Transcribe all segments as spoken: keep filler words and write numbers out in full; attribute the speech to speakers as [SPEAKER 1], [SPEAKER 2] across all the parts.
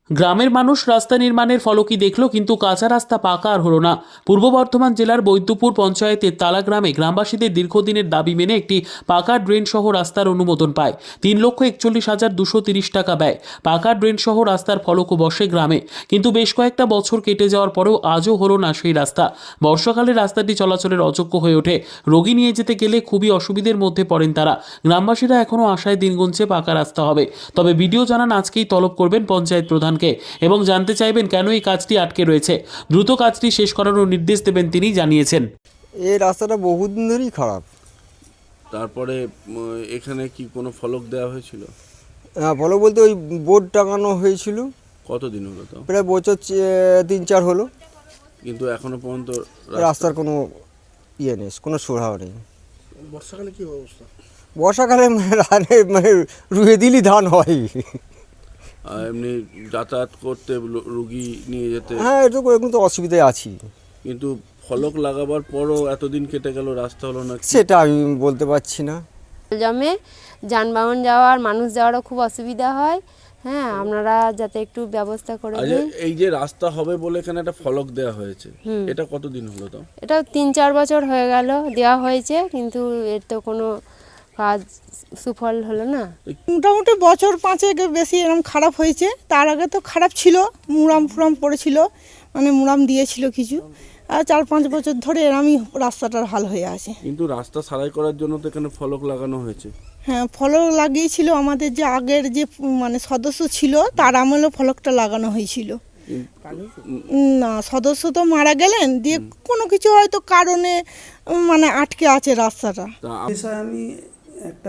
[SPEAKER 1] গ্রামের মানুষ রাস্তা নির্মাণের ফলকই দেখল, কিন্তু কাঁচা রাস্তা পাকা আর হলো না। পূর্ব বর্ধমান জেলার বৈদ্যপুর পঞ্চায়েতের তালা গ্রামে গ্রামবাসীদের দীর্ঘদিনের দাবি মেনে একটি পাকা ড্রেন সহ রাস্তার অনুমোদন পায়। তিন লক্ষ একচল্লিশ হাজার দুশো তিরিশ টাকা ব্যয়। পাকা ড্রেন সহ রাস্তার ফলকও বসে গ্রামে, কিন্তু বেশ কয়েকটা বছর কেটে যাওয়ার পরেও আজও হলো না সেই রাস্তা। বর্ষাকালে রাস্তাটি চলাচলের অযোগ্য হয়ে ওঠে। রোগী নিয়ে যেতে গেলে খুবই অসুবিধার মধ্যে পড়েন তারা। গ্রামবাসীরা এখনও আশায় দিন গুনছে পাকা রাস্তা হবে। তবে বিডিও জানান আজকেই তলব করবেন পঞ্চায়েত প্রধান এবং জানতে চাইবেন কেন এই কাজটি আটকে রয়েছে। দ্রুত কাজটি শেষ করানোর নির্দেশ দেবেন তিনি জানিয়েছেন।
[SPEAKER 2] এই রাস্তাটা বহুদিন ধরেই খারাপ।
[SPEAKER 3] তারপরে এখানে কি কোনো ফলক দেওয়া হয়েছিল?
[SPEAKER 2] হ্যাঁ, ফলক বলতে ওই বোর্ড টাঙানো হয়েছিল।
[SPEAKER 3] কতদিন হলো তো?
[SPEAKER 2] প্রায় বছর তিন চার হলো,
[SPEAKER 3] কিন্তু এখনো পর্যন্ত
[SPEAKER 2] রাস্তার কোনো ইয়ে নেই, কোনো সুরাহা নেই।
[SPEAKER 4] বর্ষাকালে কি অবস্থা?
[SPEAKER 2] বর্ষাকালে মানে রুয়ে দিলি ধান হয়।
[SPEAKER 3] এমনি যাতায়াত করতে রুগী নিয়ে যেতে
[SPEAKER 2] হ্যাঁ, এটা এখন তো অসুবিধায় আছি।
[SPEAKER 3] কিন্তু ফলক লাগাবার পরও এতদিন কেটে গেল, রাস্তা হলো না,
[SPEAKER 2] সেটা আমি বলতে পারছি না।
[SPEAKER 5] জমে যানবাহন যাওয়ার, মানুষ যাওয়ারও খুব অসুবিধা হয়। হ্যাঁ, আপনারা যাতে একটু ব্যবস্থা করে দিন।
[SPEAKER 3] এই যে রাস্তা হবে বলে এখানে একটা ফলক দেওয়া হয়েছে, এটা কতদিন হলো তো?
[SPEAKER 5] এটা তিন চার বছর হয়ে গেল দেওয়া হয়েছে, কিন্তু এর তো কোনো কাজ সুফল হলো না।
[SPEAKER 6] মোটামুটি বছর পাঁচেক বেশি এরকম খারাপ হয়েছে। তার আগে তো খারাপ ছিল, মুরাম ফুরাম পড়েছিল, মানে মুরাম দিয়েছিল কিছু। আর চার পাঁচ বছর ধরে এরমই রাস্তাটার হাল হয়ে আছে।
[SPEAKER 3] কিন্তু রাস্তা সারাই করার জন্য তো এখানে ফলক লাগানো হয়েছে।
[SPEAKER 6] হ্যাঁ, ফলক লাগিয়েছিল আমাদের যে আগের যে মানে সদস্য ছিল, তার আমলেও ফলকটা লাগানো হয়েছিল। না, সদস্য তো মারা গেলেন, দিয়ে কোনো কিছু হয়তো কারণে মানে আটকে আছে রাস্তাটা।
[SPEAKER 4] বিষয়ে আমি একটা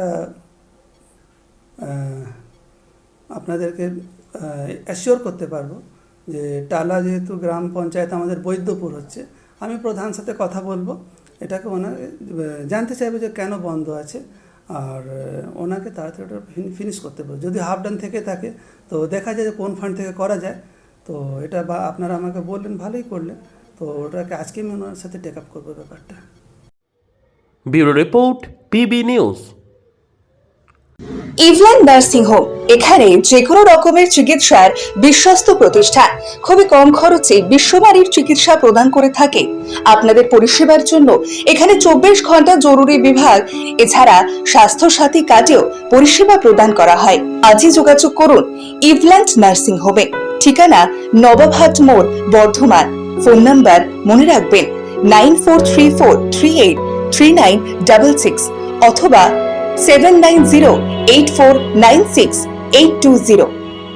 [SPEAKER 4] আপনাদেরকে অ্যাসিওর করতে পারবো যে টালা যেহেতু গ্রাম পঞ্চায়েত আমাদের বৈদ্যপুর হচ্ছে, আমি প্রধান সাথে কথা বলবো, এটাকে ওনাকে জানতে চাইবো যে কেন বন্ধ আছে, আর ওনাকে তাড়াতাড়ি ওটা ফিনিশ করতে পারবো। যদি হাফ ডান থেকে থাকে তো দেখা যায় যে কোন ফান্ড থেকে করা যায়। তো এটা বা আপনারা আমাকে বললেন, ভালোই করলেন। তো ওটাকে আজকে আমি ওনার সাথে টেক আপ করবো ব্যাপারটা।
[SPEAKER 1] Bureau report, PB news.
[SPEAKER 7] Eveland nursing home, এখানে যে কোনো রকমের চিকিৎসার বিশ্বস্ত প্রতিষ্ঠান। খুবই কম খরচে বিশ্বমানের চিকিৎসা প্রদান করে থাকে। আপনাদের পরিষেবার জন্য এখানে চব্বিশ ঘন্টা জরুরি বিভাগ, এছাড়া স্বাস্থ্য সাথী কার্ডেও পরিষেবা প্রদান করা হয়। আজই যোগাযোগ করুন ইভল্যান্ড নার্সিং হোমে। ঠিকানা নবাবহাট মোড়, বর্ধমান। ফোন নাম্বার মনে রাখবেন nine four three four three eight three nine double six অথবা seven nine zero eight four nine six eight two zero.